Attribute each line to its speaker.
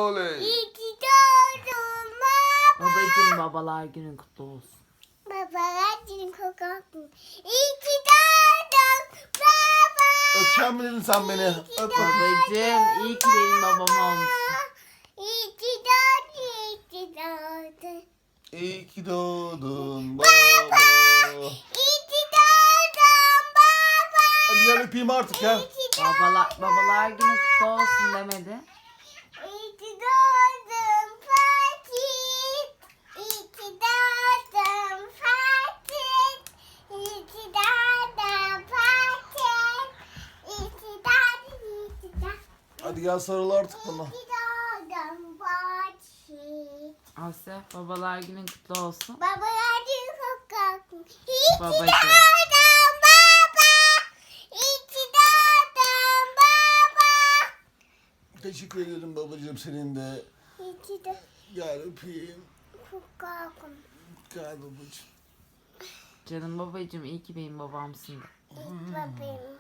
Speaker 1: Oley.
Speaker 2: İyi ki doğdun baba.
Speaker 3: Babacığım babalar günün kutlu olsun.
Speaker 2: Babalar günün kutlu olsun. İyi ki doğdun baba.
Speaker 1: Öpeceğim mi dedin sen beni? Öp.
Speaker 3: Babacığım iyi ki benim babam olmuşsun.
Speaker 2: İyi ki doğdun, iyi ki doğdun.
Speaker 1: İyi ki doğdun baba.
Speaker 2: İyi ki doğdun baba.
Speaker 1: Hadi gel öpeyim artık ya.
Speaker 2: İyi ki doğdun.
Speaker 3: Babalar günün kutlu olsun demedi.
Speaker 2: İyi ki doğdun Fatih. İyi ki doğdun Fatih. İyi ki doğdun Fatih. İyi ki doğdun, iyi ki doğdun.
Speaker 1: Hadi gel sarıl artık bana.
Speaker 2: İyi ki doğdun Fatih.
Speaker 3: Asya babalar günün kutlu olsun.
Speaker 2: Babalar günü kutlu olsun. İyi ki
Speaker 3: Babacığım.
Speaker 2: doğdun baba. İyi ki doğdun baba.
Speaker 1: Teşekkür ederim babacığım senin de.
Speaker 2: İyi ki doğdun.
Speaker 1: Gel öpeyim.
Speaker 2: Kutlu olsun.
Speaker 1: Gel babacığım.
Speaker 3: Canım babacığım iyi ki benim babamsın.
Speaker 2: İyi ki bebeğim.